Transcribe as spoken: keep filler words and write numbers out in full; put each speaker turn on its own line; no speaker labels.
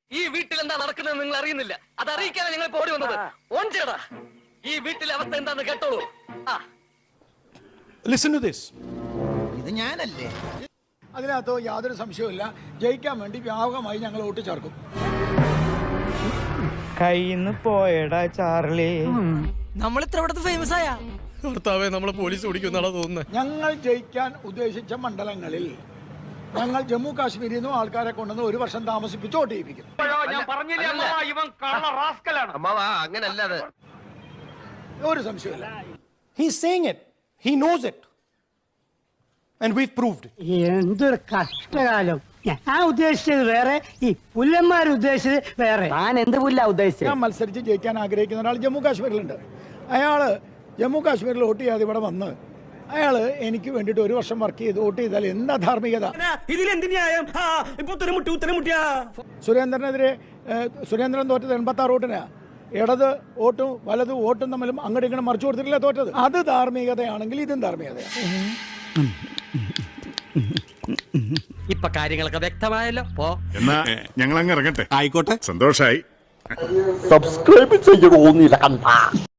ഈ വീട്ടിൽ എന്താ നടക്കുന്നത് നിങ്ങൾ അറിയുന്നില്ല. അത് അറിയിക്കാതെ നിങ്ങൾ ഓടി വന്നത്. ഓഞ്ചേടാ, ഈ വീട്ടിലെ അവസ്ഥ എന്താന്ന് കേട്ടോളൂ.
Listen to this.
ഇത് ഞാനല്ലേ?
അതിനകത്ത് യാതൊരു സംശയവുമില്ല. ജയിക്കാൻ വേണ്ടി വ്യാപകമായി ഞങ്ങൾ വോട്ട് ചേർക്കും.
കയ്യിന്ന് പോയടാ ചാർലി.
നമ്മൾ ഇത്ര ഇവിടുത്തെ ഫേമസ് ആയ
ഭർത്താവെ നമ്മളെ പോലീസ് ഓടിക്കുന്നാണോ തോന്നുന്നത്.
ഞങ്ങൾ ജയിക്കാൻ ഉദ്ദേശിച്ച മണ്ഡലങ്ങളിൽ ഞങ്ങൾ ജമ്മു കാശ്മീരിൽ നിന്നും ആൾക്കാരെ കൊണ്ടുവന്ന് ഒരു വർഷം താമസിപ്പിച്ച് വോട്ട് ചെയ്യിപ്പിക്കും.
അങ്ങനല്ലാതെ
ഒരു സംശയമില്ല.
He's saying it. He knows it. And we've proved it.
എന്തൊരു കഷ്ടകാലം. ഞാൻ ഉദ്ദേശിച്ചത് വേറെ, ഈ പുല്ലന്മാർ ഉദ്ദേശിച്ചത് വേറെ.
ഞാൻ എന്ത് പുല്ല ഉദ്ദേശിച്ചത്?
ഞാൻ മത്സരിച്ച് ജയിക്കാൻ ആഗ്രഹിക്കുന്ന ഒരാൾ ജമ്മു കാശ്മീരിലുണ്ട്. അയാള് ജമ്മു കാശ്മീരിൽ വോട്ട് ചെയ്യാതെ ഇവിടെ വന്ന് അയാള് എനിക്ക് വേണ്ടിയിട്ട് ഒരു വർഷം വർക്ക് ചെയ്ത് വോട്ട് ചെയ്താൽ എന്താ ധാർമ്മികത? സുരേന്ദ്രനെതിരെ സുരേന്ദ്രൻ തോറ്റത് എൺപത്തി ആറ് വോട്ടിനാ. ഇടത് വോട്ടും വലത് വോട്ടും തമ്മിലും അങ്ങോട്ട് ഇങ്ങനെ മറിച്ചു കൊടുത്തിട്ടില്ല തോറ്റത്. അത് ധാർമ്മികതയാണെങ്കിൽ ഇതും ധാർമ്മികതയാണ്.
ഇപ്പൊ കാര്യങ്ങളൊക്കെ വ്യക്തമായല്ലോ. പോ
എന്നാ ഞങ്ങൾ അങ്ങ് ഇറങ്ങട്ടെ. ആയിക്കോട്ടെ, സന്തോഷായി.
സബ്സ്ക്രൈബ് ചെയ്യണോന്നില്ല കണ്ട.